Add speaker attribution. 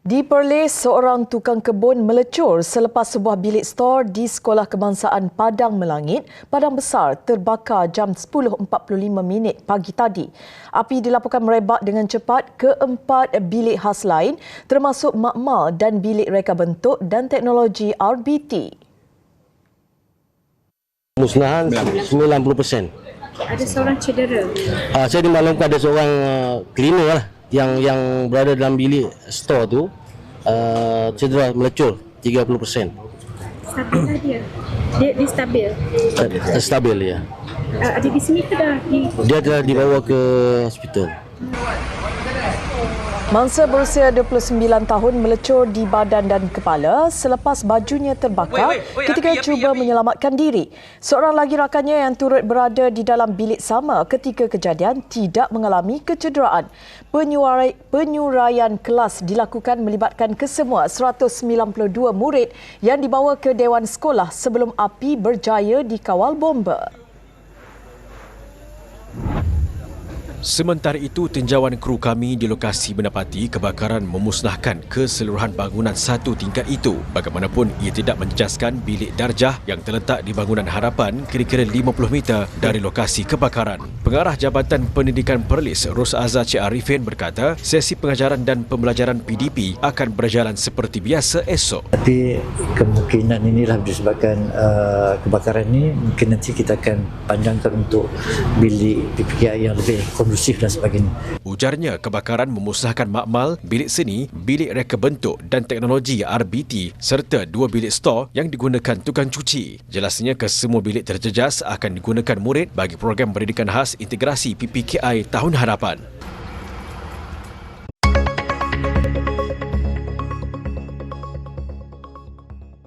Speaker 1: Di Perlis, seorang tukang kebun melecur selepas sebuah bilik stor di Sekolah Kebangsaan Padang Melangit, Padang Besar terbakar jam 10.45 pagi tadi. Api dilaporkan merebak dengan cepat ke 4 bilik khas lain termasuk makmal dan bilik reka bentuk dan teknologi RBT.
Speaker 2: Musnahan 90%.
Speaker 3: Ada seorang cedera.
Speaker 2: Saya dimaklumkan ada seorang cleaner lah yang berada dalam bilik store tu cedera melecur 30%.
Speaker 3: Stabil dia? Dia stabil?
Speaker 2: Stabil ya.
Speaker 3: Ada di sini ke dah?
Speaker 2: Dia telah dibawa ke hospital.
Speaker 1: Mangsa berusia 29 tahun melecur di badan dan kepala selepas bajunya terbakar ketika cuba menyelamatkan diri. Seorang lagi rakannya yang turut berada di dalam bilik sama ketika kejadian tidak mengalami kecederaan. Penyuraian kelas dilakukan melibatkan kesemua 192 murid yang dibawa ke Dewan Sekolah sebelum api berjaya dikawal bomba.
Speaker 4: Sementara itu, tinjauan kru kami di lokasi mendapati kebakaran memusnahkan keseluruhan bangunan satu tingkat itu. Bagaimanapun, ia tidak menjejaskan bilik darjah yang terletak di bangunan harapan kira-kira 50 meter dari lokasi kebakaran. Pengarah Jabatan Pendidikan Perlis, Ros Azhar Cik Arifin berkata, sesi pengajaran dan pembelajaran PDP akan berjalan seperti biasa esok.
Speaker 5: Tapi kemungkinan inilah disebabkan kebakaran ini, mungkin nanti kita akan panjangkan untuk bilik PPKI yang lebih kondusif dan sebagainya.
Speaker 4: Ujarnya, kebakaran memusnahkan makmal, bilik seni, bilik reka bentuk dan teknologi RBT serta 2 bilik stor yang digunakan tukang cuci. Jelasnya, kesemua bilik terjejas akan digunakan murid bagi program pendidikan khas integrasi PPKI tahun hadapan.